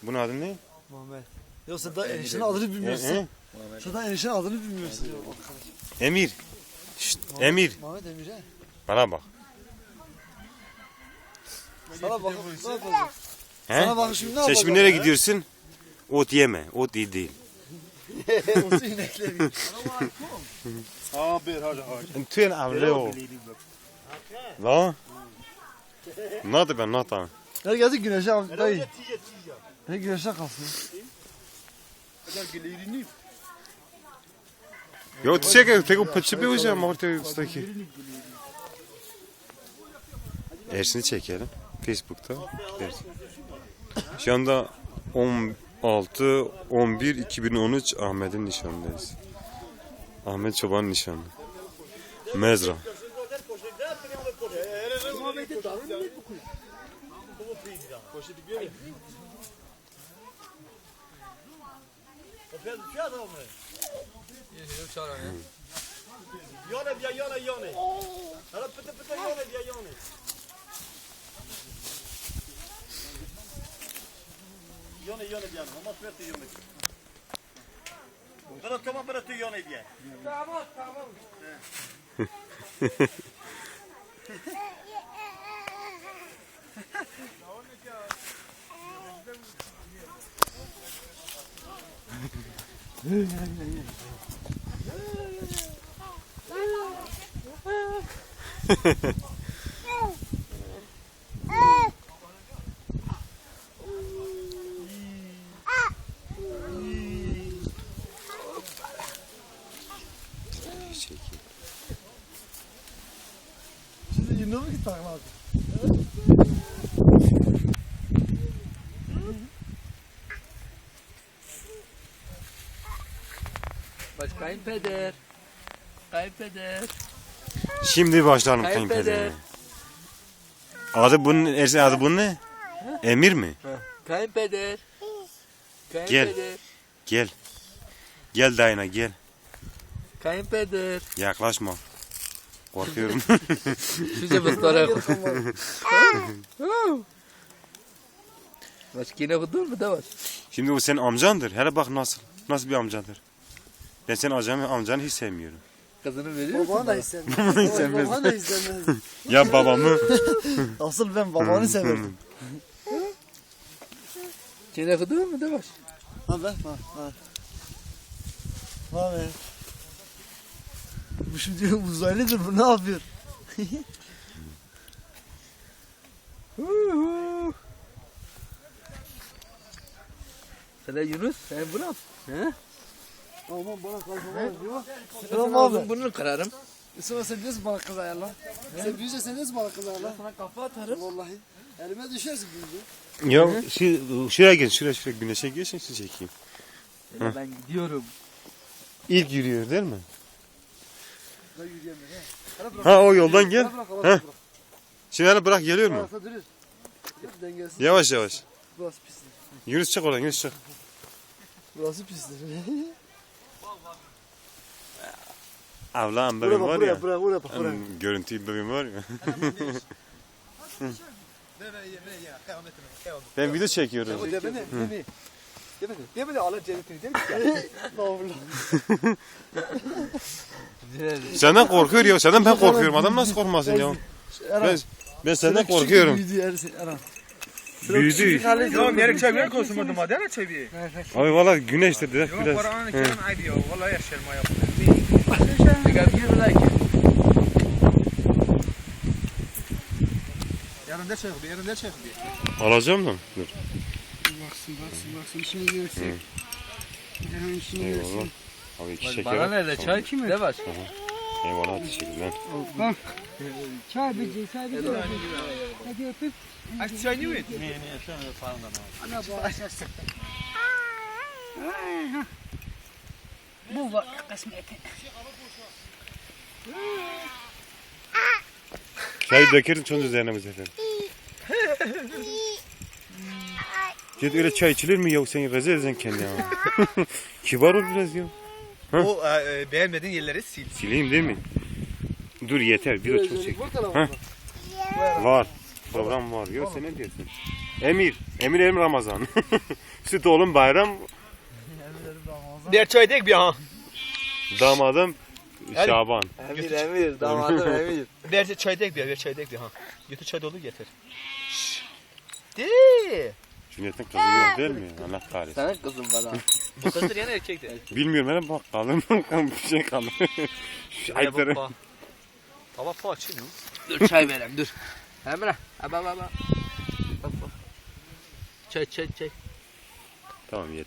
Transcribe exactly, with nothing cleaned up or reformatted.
Bunun adı ne? Muhammed. Ya sen daha eniştenin adını bilmiyorsun. He, he. Sen daha eniştenin adını bilmiyorsun. Emir. Şşt, Emir. Muhammed Emir he. Bana bak. Sana bak. Ne yapacağız? He? Sana bak şimdi ne Sen yapacağız? şimdi nereye gidiyorsun? Ot yeme. Ot iyi değil. Olsun inekleri. Abi hadi hadi. Tüyen avre o. La. Nadı ben nata. Her geldi güneşe abi dayı. Her güneşe kalsın. Yo çek tek o pıçı bir hocam orta üstteki. Ersin'i çekelim. Facebook'ta. Ersin. Şu anda on altı on bir iki bin on üç Ahmet'in nişanındayız. Ahmet Çoban'ın nişanı. Mezra. Yana bien, yana, yana. Alors peut-être, peut-être, yana bien, yana. Yana, yana bien. On va faire yana. Alors comment peut-être yana bien? Tamam, tamam. Şimdi yine mi git takla abi? Baş kayınpeder. Kayınpeder. Şimdi başlayalım Kayınpeder. kayınpederine. Adı bunun Ersin adı bunun ne? Emir mi? Kayınpeder. Kayınpeder. Gel. Gel dayına gel. Kayınpeder. Yaklaşma. Korkuyorum. Şuca bastara koy. Baş yine kudun mu da var? Şimdi o senin amcandır. Hele bak nasıl. Nasıl bir amcadır. Ben senin amcanı, amcanı hiç sevmiyorum. Kızını veriyor musun? Babanı da istemez. sevmez. Babanı da istemez. Ya babamı. Asıl ben babanı severdim. Yine kudun mu da var? Ha be, ha, ha. Ha be. Bu şimdi uzaylıdır bu, ne yapıyor? Sen Yunus, sen bunu al. He? Aman bana kalkamaz diyor. Selam abi. Bunu kırarım. Sonra sen diyorsun bana kız ayarla. Sen büyüyünce sen diyorsun bana kız ayarla. Sana kafa atarım. Vallahi. Elime düşersin büyüyünce. Ya şu, şuraya gel. Şuraya şuraya güneşe geçin siz çekeyim. Öyle ben gidiyorum. İlk yürüyor değil mi? Ben yürüyemiyorum he. Hele bırak. Ha o yoldan gel. Hele bırak, hele Heh. bırak. Şimdi hele bırak geliyor mu? Arasa durur. Hep dengesiz. Yavaş yavaş. Burası pistir. Yunus çık oradan Yunus çık. Burası pistir. Avlan Buraya bebeğim bak, var buraya, ya. buraya, buraya bak, buraya. Hmm, Görüntüyü bebeğim var ya. Ben video çekiyorum. O deme ne? Deme. Deme ne? Deme ne? Allah cennetini değil mi? Senden korkuyor ya. Senden ben korkuyorum. Adam nasıl korkmasın ya? Ben, ben senden korkuyorum. Büyüdü Ersin, Erhan. Büyüdü. Ya nereye çeviren konuşmadım hadi ne çeviye? Abi valla güneşte direkt Yok biraz. paranın kiran aydı ya. Vallahi yaşarım ayak. Çıkar bir like. Yanında çek bir, yanında çek bir. Alacağım da. Dur. Baksın baksın baksın işini görsün. Erhan işini Eyvallah. görsün. Abi iki Bana şeker. nerede çay kimi? Ne var? Eyvallah teşekkürler. Bak. Çay bici çay bici. Hadi öpüp. Akçay ne mi? Ana bağışlasın. Bu var kısmeti. Çayı dökerim çoğunun üzerine bu sefer. Git öyle çay içilir mi ya? Sen rezil edeceksin kendini ya. Kibar ol biraz ya. O e, beğenmediğin yerleri sil. Sileyim değil mi? Dur yeter. Bir de çok çek. Bak hele Heh. bak. Var. Program var. Yok sen ne diyorsun? Emir. Emir Emir Ramazan. Süt oğlum Bayram. Bir çay dek bir ha. Damadım Hadi. Şaban. Emir emir damadım emir. Bir çay dek bir, bir çay dek bir ha. Götür çay dolu getir. De. Cüneyt'in kızı yok değil mi? Allah kahretsin. Senin kızın var ha. Bu kızdır yani erkekti. Bilmiyorum hele bak kalın bir şey kalın. Şu ayıpları. Hava pa açıyor mu? Dur çay verem dur. Emre. Aba aba. Bak bak. Çay çay çay. Tamam yeter.